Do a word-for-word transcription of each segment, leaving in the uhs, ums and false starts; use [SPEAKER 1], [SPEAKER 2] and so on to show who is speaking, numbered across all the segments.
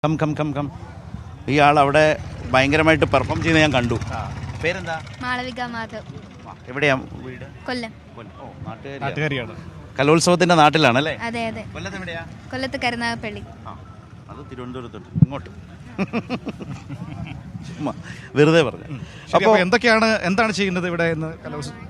[SPEAKER 1] Come come come come ഇയാൾ അവിടെ ഭയങ്കരമായിട്ട് പെർഫോം ചെയ്യുന്നത് ഞാൻ കണ്ടു. പേരെന്താ?
[SPEAKER 2] മാളവിക മാധവ്.
[SPEAKER 1] എവിടെയാ വീട്?
[SPEAKER 2] കൊല്ലം.
[SPEAKER 1] ഓ, നാട്ടുകാരിയാണ്. കലോത്സവത്തിന്റെ നാട്ടിലാണല്ലേ?
[SPEAKER 2] അതെ അതെ.
[SPEAKER 1] കൊല്ലത്ത് എവിടെയാ?
[SPEAKER 2] കൊല്ലത്ത് കരുനാഗപ്പള്ളി.
[SPEAKER 1] ആ, അത് തിരുവനന്തപുരത്തോട്ട് ഇങ്ങോട്ട് ചുമ്മാ വെറുതെ പറഞ്ഞു.
[SPEAKER 3] അപ്പോൾ എന്തൊക്കെയാണ് എന്താണ് ചെയ്യുന്നത് ഇവിടെ എന്ന് കലോത്സവം?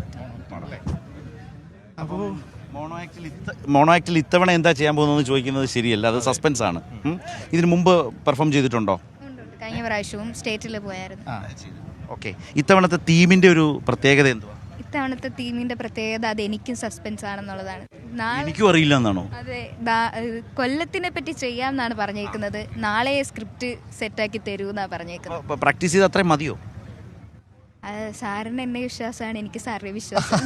[SPEAKER 1] അപ്പോൾ മോണോ ആക്ടിൽ ഇത്ത മോണോ ആക്ടിൽ ഇത്തവണ എന്താ ചെയ്യാൻ പോകുന്നതെന്ന് ചോദിക്കുന്നത് ശരിയല്ല, അത് സസ്പെൻസ് ആണ്. ഇതിനു മുമ്പ് പെർഫോം ചെയ്തിട്ടുണ്ടോ?
[SPEAKER 2] കഴിഞ്ഞ പ്രാവശ്യവും സ്റ്റേറ്റിൽ പോയായിരുന്നു.
[SPEAKER 1] ഓക്കെ, ഇത്തവണത്തെ തീമിന്റെ ഒരു പ്രത്യേകത എന്തുവാ?
[SPEAKER 2] ഇത്തവണത്തെ തീമിന്റെ പ്രത്യേകത അത് എനിക്കും സസ്പെൻസ് ആണെന്നുള്ളതാണ്.
[SPEAKER 1] എനിക്കും അറിയില്ല എന്നാണോ?
[SPEAKER 2] അതെ, കൊല്ലത്തിനെ പറ്റി ചെയ്യാമെന്നാണ് പറഞ്ഞേക്കുന്നത്. നാളെ സ്ക്രിപ്റ്റ് സെറ്റാക്കി തരൂ എന്നാ പറഞ്ഞേക്കുന്നത്.
[SPEAKER 1] പ്രാക്ടീസ് ചെയ്ത് അത്രയും മതിയോ?
[SPEAKER 2] സാറിന് എന്നെ വിശ്വാസമാണ്, എനിക്ക് സാറിനെ വിശ്വാസം.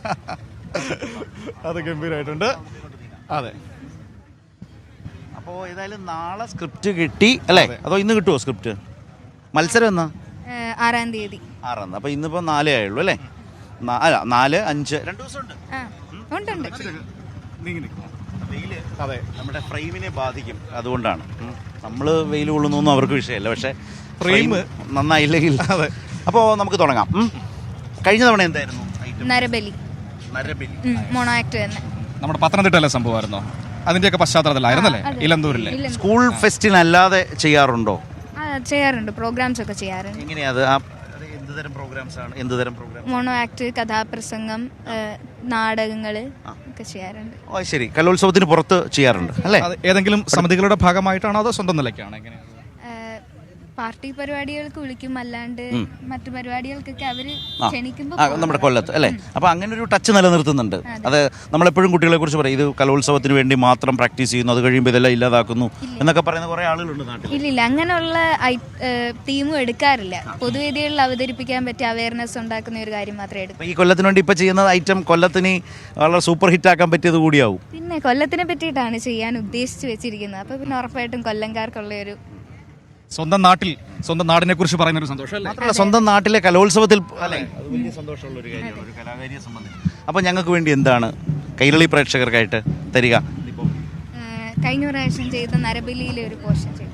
[SPEAKER 3] അത് ഗംഭീരമായിട്ടുണ്ട്. അതെ,
[SPEAKER 1] അപ്പോൾ ഏതായാലും നാളെ സ്ക്രിപ്റ്റ് കിട്ടി അല്ലേ? അതോ ഇന്ന് കിട്ടുമോ സ്ക്രിപ്റ്റ്? മത്സരം എന്നാ?
[SPEAKER 2] ആറാം തീയതി.
[SPEAKER 1] ആറാം തീയതി. അപ്പോൾ ഇന്നിപ്പോൾ നാലേ ആയുള്ളൂ അല്ലേ? അല്ല, നാല് അഞ്ച് രണ്ട് ദിവസമുണ്ട്.
[SPEAKER 2] ഉണ്ട് ഉണ്ട്.
[SPEAKER 1] വെയില് അതെ നമ്മുടെ ഫ്രെയിമിനെ ബാധിക്കും, അതുകൊണ്ടാണ്. നമ്മൾ വെയിൽ കൊള്ളുന്നൊന്നും അവർക്ക് വിഷയമല്ല, പക്ഷേ ഫ്രെയിം നന്നായില്ലെങ്കിൽ. അതെ. അപ്പോൾ നമുക്ക് തുടങ്ങാം. കഴിഞ്ഞ തവണ എന്തായിരുന്നു?
[SPEAKER 2] നരബലി.
[SPEAKER 1] നരബലി
[SPEAKER 2] മോണോ ആക്ട് തന്നെ.
[SPEAKER 3] നമ്മുടെ പത്തനംതിട്ടയിലെ സംഭവമായിരുന്നോ? അതിന്റെയൊക്കെ പശ്ചാത്തലത്തിലായിരുന്നല്ലേ? ഇലന്തൂരിലെ
[SPEAKER 1] സ്കൂൾ ഫെസ്റ്റിനല്ലാതെ ചെയ്യാറുണ്ടോ?
[SPEAKER 2] ചെയ്യാറുണ്ട്, പ്രോഗ്രാംസ് ഒക്കെ ചെയ്യാറുണ്ട്.
[SPEAKER 1] എങ്ങനെയാ അത്? എന്തുതരം പ്രോഗ്രാംസ് ആണ്? എന്തുതരം പ്രോഗ്രാം?
[SPEAKER 2] മോണോ ആക്ട്, കഥാപ്രസംഗം, നാടകങ്ങൾ ഒക്കെ ചെയ്യാറുണ്ട്.
[SPEAKER 1] ഓ ശരി, കലോത്സവത്തിന് പുറത്ത് ചെയ്യാറുണ്ട് അല്ലേ?
[SPEAKER 3] ഏതെങ്കിലും സമിതികളുടെ ഭാഗമായിട്ടാണോ അതോ സ്വന്തം നിലയ്ക്കാണ്? എങ്ങനെയാണ്?
[SPEAKER 2] പാർട്ടി പരിപാടികൾക്ക് വിളിക്കും, അല്ലാണ്ട് മറ്റു പരിപാടികൾക്കൊക്കെ അവര് ക്ഷണിക്കുമ്പോൾ.
[SPEAKER 1] നമ്മുടെ കൊല്ലത്ത് അല്ലേ? അപ്പൊ അങ്ങനെ ഒരു ടച്ച് നിലനിർത്തുന്നുണ്ട്. അത് നമ്മളെപ്പോഴും കുട്ടികളെ കുറിച്ച് പറയും, ഇത് കലോത്സവത്തിന് വേണ്ടി മാത്രം പ്രാക്ടീസ് ചെയ്യുന്നു, അത് കഴിയുമ്പോൾ ഇതെല്ലാം ഇല്ലാതാക്കുന്നു എന്നൊക്കെ പറയുന്ന കുറെ ആളുകളുണ്ട് നാട്ടിൽ.
[SPEAKER 2] ഇല്ലില്ല, അങ്ങനെയുള്ള തീമും എടുക്കാറില്ല. പൊതുവേദികളിൽ അവതരിപ്പിക്കാൻ പറ്റിയ അവയർനെസ് ഉണ്ടാക്കുന്ന ഒരു കാര്യം മാത്രമേ എടുക്കൂ.
[SPEAKER 1] ഈ കൊല്ലത്തിന് വേണ്ടി ഇപ്പൊ ചെയ്യുന്ന ഐറ്റം കൊല്ലത്തിന് വളരെ സൂപ്പർ ഹിറ്റ് ആക്കാൻ പറ്റിയത് കൂടിയാവും.
[SPEAKER 2] പിന്നെ കൊല്ലത്തിനെ പറ്റിയിട്ടാണ് ചെയ്യാൻ ഉദ്ദേശിച്ച് വെച്ചിരിക്കുന്നത്. അപ്പൊ പിന്നെ ഉറപ്പായിട്ടും കൊല്ലംകാർക്കുള്ള ഒരു
[SPEAKER 3] സ്വന്തം നാട്ടിൽ സ്വന്തം നാടിനെ കുറിച്ച് പറയുന്ന ഒരു സന്തോഷം അല്ലേ?
[SPEAKER 1] സ്വന്തം നാട്ടിലെ കലോത്സവത്തിൽ അല്ലേ? അത് വലിയ സന്തോഷമുള്ള ഒരു കാര്യമാണ് ഒരു കലാകാരിയെ സംബന്ധിച്ച്. അപ്പോൾ ഞങ്ങൾക്ക് വേണ്ടി എന്താണ് കൈരളി പ്രേക്ഷകർക്കായിട്ട് തരിക?
[SPEAKER 2] കഴിഞ്ഞ പ്രാവശ്യം ചെയ്ത നരബലിയിലെ ഒരു പോർഷൻ ചെയ്തു.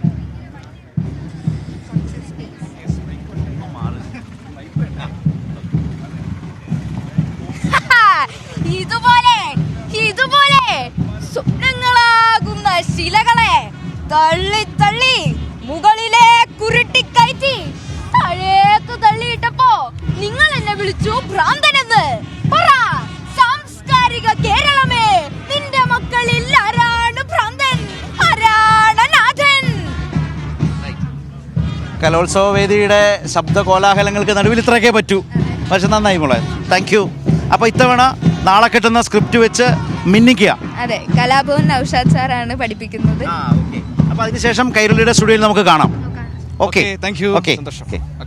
[SPEAKER 2] ഇതുപോലെ ഇതുപോലെ സ്വപ്നങ്ങളാകുന്ന ശിലകളെ തള്ളി തള്ളി മുകളിലെ കുരുട്ടിക്കയറ്റി താഴേക്ക് തള്ളിയിട്ടപ്പോ നിങ്ങൾ എന്നെ വിളിച്ചു ഭ്രാന്തനെന്ന്. പറ സാംസ്കാരിക കേരളമേ, നിന്റെ മക്കളിൽ ആരാണ് ഭ്രാന്തൻ, ആരാണ് നാഥൻ?
[SPEAKER 1] കലോത്സവ വേദിയുടെ ശബ്ദ കോലാഹലങ്ങൾക്ക് നടുവിൽ ഇത്രയൊക്കെ പറ്റൂ. പക്ഷെ നന്നായി മോളെ, താങ്ക് യു. അപ്പോൾ ഇത്തവണ നാളെ കിട്ടുന്ന സ്ക്രിപ്റ്റ് വെച്ച് മിന്നിക്കുക.
[SPEAKER 2] അതെ, കലാഭവൻ നൗഷാദ് സാറാണ് പഠിപ്പിക്കുന്നത്.
[SPEAKER 1] അപ്പോൾ അതിനുശേഷം കൈരളിയുടെ സ്റ്റുഡിയോയിൽ നമുക്ക് കാണാം. Okay,
[SPEAKER 3] thank you.
[SPEAKER 1] ഓക്കെ.